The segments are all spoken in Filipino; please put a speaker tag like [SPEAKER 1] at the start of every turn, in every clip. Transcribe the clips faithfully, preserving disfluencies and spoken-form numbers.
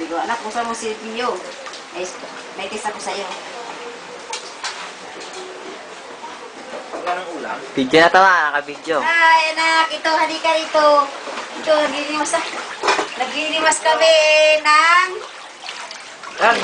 [SPEAKER 1] Sabi ko, anak, buksan mo si Pio. Eh, may test ako sa'yo.
[SPEAKER 2] Anong ulam?
[SPEAKER 3] Video na tama, naka-video.
[SPEAKER 1] Ay, anak, ito, halika rito. Ito, naglilimas, naglilimas kami ng...
[SPEAKER 2] Yan.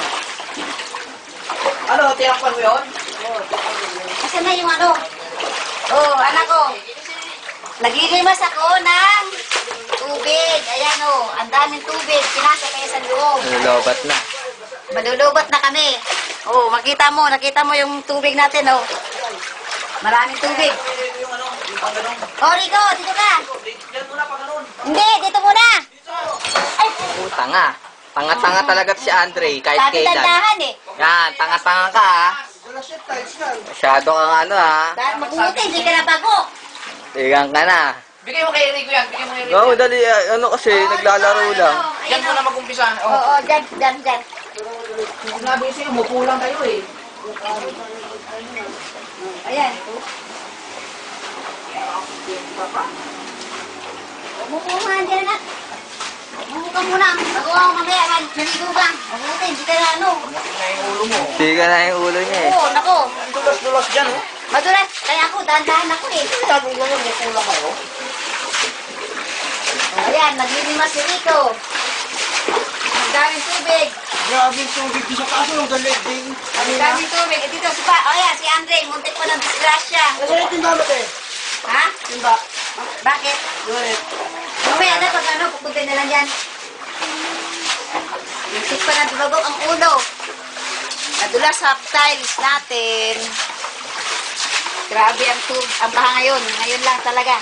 [SPEAKER 2] Ano, tiyakpan mo yun?
[SPEAKER 1] Asan na yung ano? Oh, anak ko. Naglilimas ako ng tubig. Ayan oh, ang daming tubig. Pinasa kayo sa loob.
[SPEAKER 3] Nalobat na.
[SPEAKER 1] Malulubat na kami. Oh, makita mo, nakita mo yung tubig natin oh. Maraming tubig.
[SPEAKER 2] Yung ano, yung pang ganun.
[SPEAKER 1] Oh, Rico, dito ka.
[SPEAKER 2] Yan muna pang ganun.
[SPEAKER 1] Hindi, dito muna. Ay,
[SPEAKER 3] Oh, tanga. Tanga-tanga talaga si Andre, kahit
[SPEAKER 1] sabi
[SPEAKER 3] kailan.
[SPEAKER 1] tandahan eh.
[SPEAKER 3] Yan, tanga-tanga ka ha. Masyado kang ano ha.
[SPEAKER 1] Dahil mabuti, hindi ka na bago.
[SPEAKER 3] Tigang ka na.
[SPEAKER 2] Bigay mo kay Rico yan, bigay mo kay Rico.
[SPEAKER 3] No, dali, ah, ano kasi, naglalaro lang.
[SPEAKER 2] Yan muna mag-umpisa.
[SPEAKER 1] Oo, oh, dyan, dyan, dyan.
[SPEAKER 2] Sinabi ko sa'yo, umupo lang kayo eh.
[SPEAKER 1] Ayan. Umupo nga dyan na. Umupo ka muna. Bago ako mamaya, naligo ka. Mabuti, hindi ka na ano.
[SPEAKER 2] Tingnan yung ulo mo.
[SPEAKER 3] Tiga na yung ulo niya eh.
[SPEAKER 1] Oo, nako.
[SPEAKER 2] Ang dulas-dulas dyan oh.
[SPEAKER 1] Madulas. Kaya ako, dahan-dahan ako eh.
[SPEAKER 2] Sabi ko naman, umupo lang kayo.
[SPEAKER 1] Ayan, naglilimas si Rico. Ang daming tubig.
[SPEAKER 2] Grabe yung tubig sa kaso, yung galit din.
[SPEAKER 1] Ang daming tubig. Eh, dito si Pa. O yan, si Andre. Muntik pa ng disgrasya.
[SPEAKER 2] Kasi yung timba mo eh.
[SPEAKER 1] Ha?
[SPEAKER 2] Timba.
[SPEAKER 1] Bakit?
[SPEAKER 2] Galit.
[SPEAKER 1] Mamaya na pag ano, pupunta na lang dyan. Muntik pa ng dibagok ang ulo. Nadulas sa tiles natin. Grabe ang tub, ang baha ngayon. Ngayon lang talaga.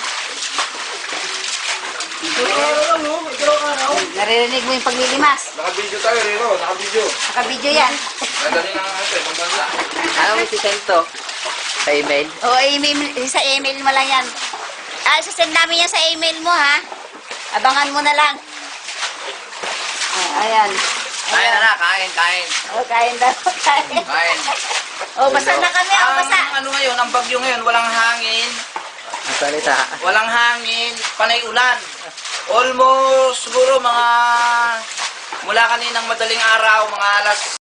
[SPEAKER 2] Ito lang no, ito araw.
[SPEAKER 1] Naririnig mo yung paglilimas.
[SPEAKER 4] Naka-video tayo, Rino. Naka-video.
[SPEAKER 1] Naka-video yan.
[SPEAKER 4] Nadali na nga ito, eh, pambansa.
[SPEAKER 3] Ano mo sisend to? Sa email?
[SPEAKER 1] O, email, sa email mo lang yan. Ah, sasend namin yan sa email mo, ha? Abangan mo na lang. Oh, ayan.
[SPEAKER 2] Kain na na, kain, kain.
[SPEAKER 1] O, kain daw. Kain.
[SPEAKER 2] Kain.
[SPEAKER 1] O, basa na kami. O, basa.
[SPEAKER 2] Ang ano ngayon, ang bagyo ngayon, walang hangin.
[SPEAKER 3] Ang salita.
[SPEAKER 2] Walang hangin, panay ulan. Almost siguro mga mula kaninang madaling araw, mga alas